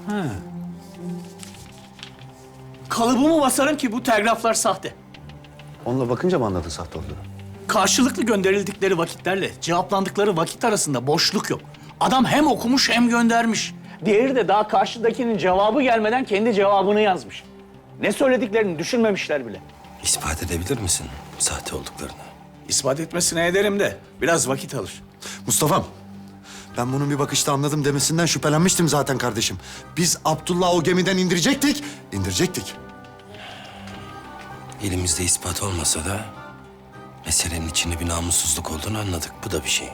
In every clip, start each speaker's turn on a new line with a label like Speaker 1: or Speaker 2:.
Speaker 1: Kalıbımı basarım ki bu telgraflar sahte.
Speaker 2: Onunla bakınca mı anladın sahte olduğunu?
Speaker 1: Karşılıklı gönderildikleri vakitlerle cevaplandıkları vakit arasında boşluk yok. Adam hem okumuş hem göndermiş. Diğeri de daha karşıdakinin cevabı gelmeden kendi cevabını yazmış. Ne söylediklerini düşünmemişler bile.
Speaker 3: İspat edebilir misin sahte olduklarını?
Speaker 1: İspat etmesine ederim de biraz vakit alır.
Speaker 2: Mustafa'm, ben bunun bir bakışta anladım demesinden şüphelenmiştim zaten kardeşim. Biz Abdullah'ı o gemiden indirecektik.
Speaker 3: Elimizde ispat olmasa da meselenin içinde bir namussuzluk olduğunu anladık. Bu da bir şey.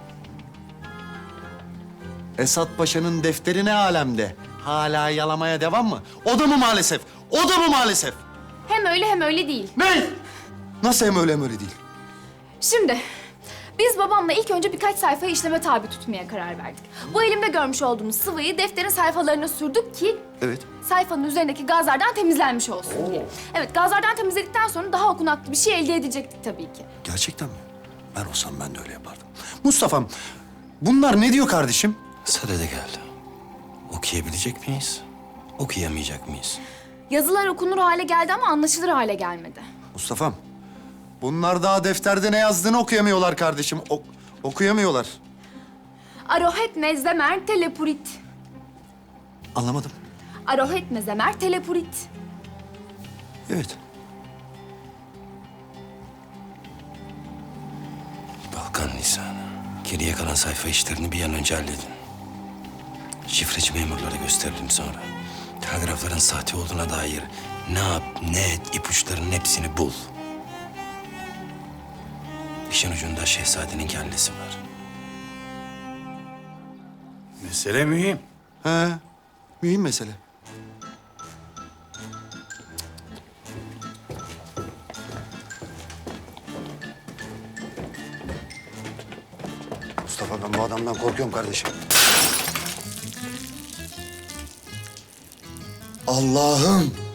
Speaker 2: Esat Paşa'nın defteri ne alemde? Hala yalamaya devam mı? O da mı maalesef? O da mı maalesef?
Speaker 4: Hem öyle hem öyle değil.
Speaker 2: Ne? Nasıl hem öyle değil?
Speaker 4: Şimdi biz babamla ilk önce birkaç sayfayı işleme tabi tutmaya karar verdik. Bu elimde görmüş olduğumuz sıvıyı defterin sayfalarına sürdük ki
Speaker 2: Evet.
Speaker 4: sayfanın üzerindeki gazlardan temizlenmiş olsun diye. Evet, gazlardan temizledikten sonra daha okunaklı bir şey elde edecektik tabii ki.
Speaker 2: Gerçekten mi? Ben olsam ben de öyle yapardım. Mustafa'm, bunlar ne diyor kardeşim?
Speaker 3: Sadede geldi. Okuyabilecek miyiz? Okuyamayacak mıyız?
Speaker 4: Yazılar okunur hale geldi ama anlaşılır hale gelmedi.
Speaker 2: Mustafa'm, bunlar daha defterde ne yazdığını okuyamıyorlar kardeşim. Okuyamıyorlar.
Speaker 4: Arohet nezemer telepurit.
Speaker 2: Anlamadım.
Speaker 4: Arohet nezemer telepurit.
Speaker 2: Evet.
Speaker 3: Balkan lisanı. Geriye kalan sayfa işlerini bir an önce halledin. Şifreci memurlara gösterelim sonra. Telgrafların sahte olduğuna dair ne yap, ne et, ipuçlarının hepsini bul. İşin ucunda şehzadenin kellesi var.
Speaker 1: Mesele mühim.
Speaker 2: He, mühim mesele. Mustafa, ben bu adamdan korkuyorum kardeşim. Allah'ım!